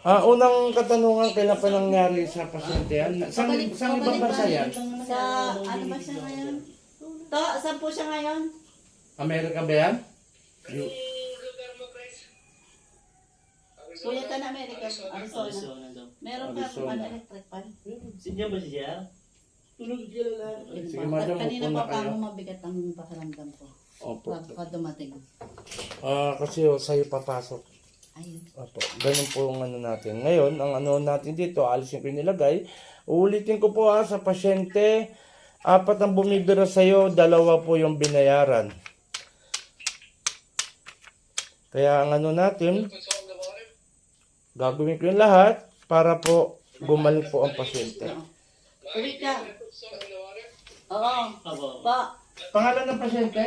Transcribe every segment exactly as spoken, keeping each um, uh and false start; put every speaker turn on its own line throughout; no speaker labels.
Ah, unang katanungan, kailan pa nangyari sa pasyente yan? Saan,
Pabalik,
saan ibang
pabalik
bansa yan?
Sa, ano ba siya ngayon? To, saan po siya ngayon?
Amerika ba yan? Yung-
Kuya ka na Amerika, Arizona.
Arizona daw.
Meron ka
Arizona.
ano, electric pan.
Sindihan ba siya? Tulog siya lang.
Sige, madam,
Kanina
upo na
pa pa
kayo.
mo mabigat ang pakiramdam ko.
Opo.
Pag dumating.
Ah, kasi oh, sa'yo papasok.
Ayun.
Opo. Ganun po ang ano natin. Ngayon, ang ano natin dito, alisin ko yung nilagay. Uulitin ko po ha, sa pasyente, apat ang bumibira sa'yo, dalawa po yung binayaran. Kaya ang ano natin, gagawin ko yung lahat para po gumaling po ang pasyente.
Uwi ka. Oo.
Abo.
Pa,
Pangalan ng pasyente?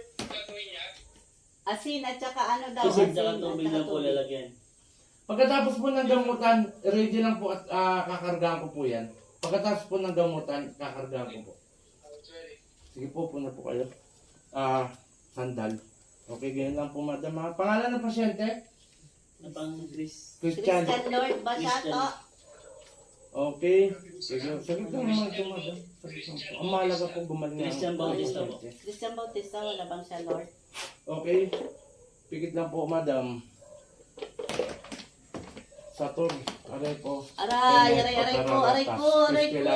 asin at saka ano daw.
Kasi
asin
saka
at
tubig
saka
lang po
tubig.
lalagyan.
Pagkatapos po ng gamutan, ready lang po at ah, kakargahan ko po yan. Pagkatapos po ng gamutan, kakargahan ko po. Sige po, puna po kayo. Ah, sandal. Okay, ganyan lang po, madam. ha? Pangalan ng pasyente?
Na pang Chris.
Christian.
Christian Lord ba siya to?
Okay. Sige, sige lang naman ito, madam. Sige lang po. Ang mahalaga po gumaling ang
Christian Bautista po.
pasyente.
Christian Bautista, wala bang siya Lord?
Okay. Pikit lang po, madam. Saturn. Aray po.
Aray, aray, aray ko, aray ko, aray ko.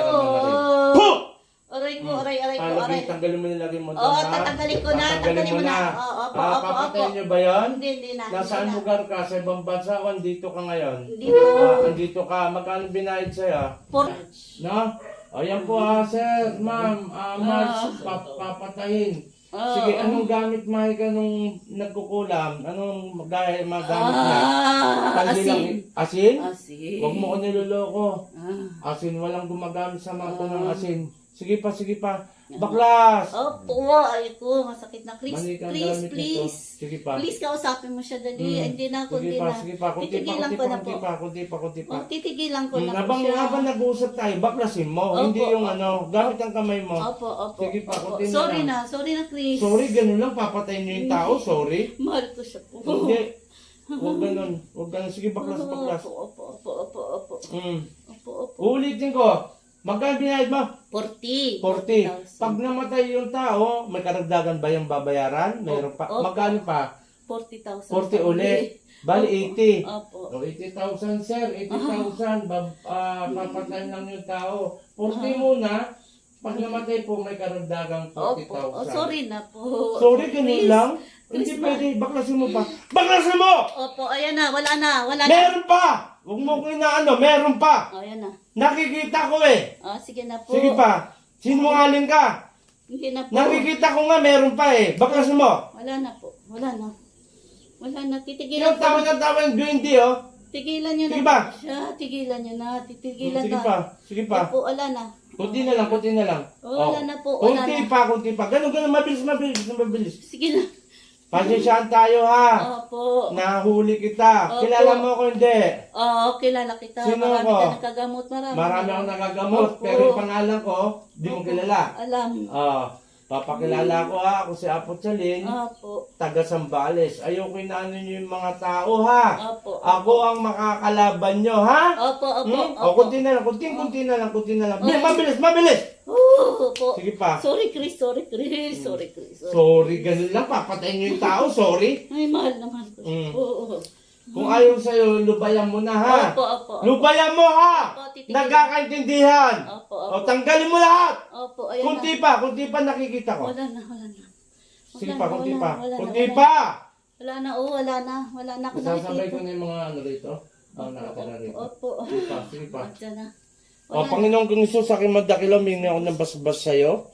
Po!
Aray ko, aray, aray ko, aray.
Talagay, tanggalin mo nilagay mo doon,
Oo,
ha?
tatanggalin ko na,
Tatanggalin
tatanggalin mo na. Oo, opo,
Ah,
opo,
papatayin
opo.
niyo ba yan?
Hindi, hindi na.
Nasaan
hindi na.
lugar ka? Sa ibang bansa o andito ka ngayon?
Hindi po.
Ah, andito ka. Magkano binayad sa'yo?
Por-
No? Ayan po ha, sir, ma'am, ah, March, pap papatayin.
Ah,
Sige,
ah.
anong gamit mahika nung nagkukulam? Anong gaya magamit niya?
Ah,
Kaldi lang-
asin.
Asin?
Asin.
Huwag mo ko niloloko.
Ah.
Asin, walang gumagamit sa mga
Ah.
ng asin. Sige pa, sige pa. Baklas!
Opo, ay ko, masakit na. Chris,
Mali kang
please,
gamit nito.
please.
Sige pa.
Please, kausapin mo siya dali.
Hmm.
Hindi na,
Sige
kundi
pa,
na.
sige pa. Kunti pa,
Titigilan
kunti
ko
pa,
na
kunti
po.
pa, kunti pa, kunti pa.
Oh, titigilan ko
Hmm,
na po
habang,
siya.
habang nag-uusap tayo, baklasin mo.
Opo,
Hindi yung
opo.
ano, gamit ang kamay mo.
Opo, opo.
Sige pa,
opo.
kunti na
Sorry
lang.
na, sorry na, Chris.
Sorry, ganun lang. Papatayin niyo yung tao. Sorry.
Mahal ko siya po.
Hindi. Huwag ganun. Huwag ganun. Sige, baklas, baklas.
Opo, opo, opo, opo, opo.
Hmm.
Opo, opo.
Uulitin ko. Magkano binayad mo?
forty.
forty.
thousand.
Pag namatay yung tao, may karagdagan ba yung babayaran? Mayroon pa.
Opo.
Magkano pa?
forty thousand.
forty ulit. Bali, eighty.
Opo.
O, eighty thousand, sir. eighty thousand. Bab, ah, papatayin lang yung tao. forty
Ah.
muna. Pag namatay po, may karagdagang forty
Opo. Oh,
thousand.
sorry na po.
Sorry, ganun
Chris.
lang.
Chris,
Hindi
ma-
pwede. Baklasin mo pa. Baklasin mo!
Opo, ayan na. Wala na. Wala na.
Meron pa! Huwag mo ko inaano. Meron pa!
Oh, ayan na.
Nakikita ko eh.
Ah, sige na po.
Sige pa. Sinungaling ka.
Hindi na po.
Nakikita ko nga meron pa eh. Baklasin mo.
Wala na po. Wala na. Wala na. Titigilan
Yung
ko.
tawa ng tawa yung duwende oh.
Tigilan nyo na
Sige ba?
po siya. Tigilan nyo na. Titigilan
Sige
na.
pa. Sige pa.
Opo, wala na.
Kunti na lang, kunti na lang.
Oh, wala na po, wala
Kunti
na.
pa, kunti pa. Ganun, ganun, mabilis, mabilis, mabilis.
Sige na.
Pasensyaan tayo ha.
Opo.
Nahuli kita.
Opo.
Kilala mo ako hindi.
Oo, kilala kita.
Sino
Marami
ko?
ka nagkagamot. Marami.
Marami akong nagagamot.
Opo.
Pero yung pangalan ko, di mo kilala.
Alam.
Ah, papakilala ko ha. Ako si Apo Chalin.
Opo.
Taga Sambales. Ayoko inaano niyo yung mga tao ha.
Opo.
Ako ang makakalaban nyo ha.
Opo, opo,
Hmm?
opo.
O, kunti na lang, kunti, kunti na lang, kunti na lang. Bilis, mabilis, mabilis!
Oo, opo.
Sige pa.
Sorry, Chris. Sorry, Chris. Sorry, Chris. Sorry.
Sorry, ganun lang. Papatayin nyo yung tao, sorry.
Ay, mahal naman ko.
Mm.
Oo.
Kung ayaw sa'yo, lubayan mo na ha.
Opo, opo, opo.
Lubayan mo ha!
Opo, titigil.
Nagkakaintindihan!
Opo,
O,
opo.
tanggalin mo lahat!
Opo, ayan
Kunti
na.
pa, kunti pa nakikita ko.
Wala na, wala na.
Sige
Wala
pa,
na,
kunti
wala
pa.
na, wala na,
Kunti
wala
pa!
na. Wala na, oo, wala na. Wala na ako
Sasabay ko
nakikita.
na yung mga ano rito. Ako nakatala rito.
Opo.
Sige pa, sige pa.
Andiyan na.
O, Panginoong kong Isus, sa aking madakilaw, mingi ako ng basbas sa'yo.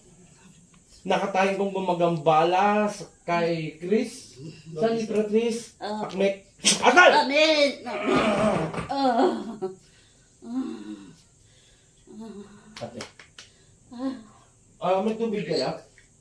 Nakatayin kong gumagambala sa- kay Chris. San ni Chris?
Ah.
Akmek. Atal!
Amen! Amen! Ah.
Ate. Ah, may tubig kaya?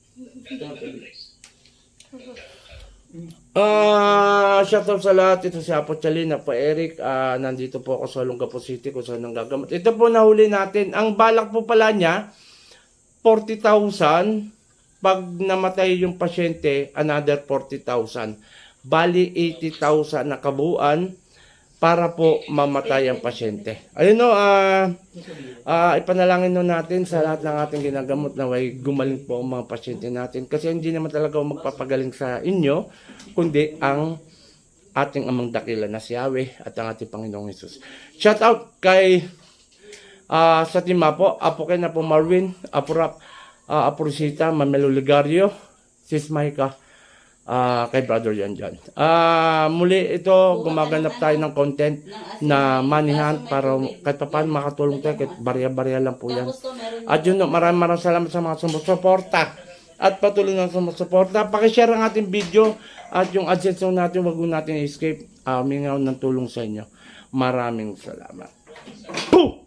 Ah, shout out sa lahat. Ito si Apo Chalin, Apo Eric. Ah, nandito po ako sa Olongapo City kung saan nanggagamot. Ito po nahuli natin. Ang balak po pala niya, forty thousand. Pag namatay yung pasyente, another forty thousand. Bali, eighty thousand na kabuuan. para po mamatay ang pasyente. Ayun no, ah ah, ipanalangin no natin sa lahat ng ating ginagamot na way gumaling po ang mga pasyente natin. Kasi hindi naman talaga ako magpapagaling sa inyo, kundi ang ating amang dakila na si Yahweh at ang ating Panginoong Hesus. Shout out kay ah sa team po, Apo kay na po Marvin, Apo Rap, uh, Apo Rosita, Mamelo Ligario, Sis Maika, Ah, kay Brother Yan Jan. Ah, muli ito, gumaganap tayo ng content na money hunt para kahit pa paano makatulong tayo, kahit barya-barya lang po yan.
Tapos to, meron
At yun, no, maraming maraming salamat sa mga sumusuporta at patuloy na sumusuporta. Pakishare ang ating video at yung AdSense natin, wag mo natin i-escape. Uh, mingaw ng tulong sa inyo. Maraming salamat. Boom!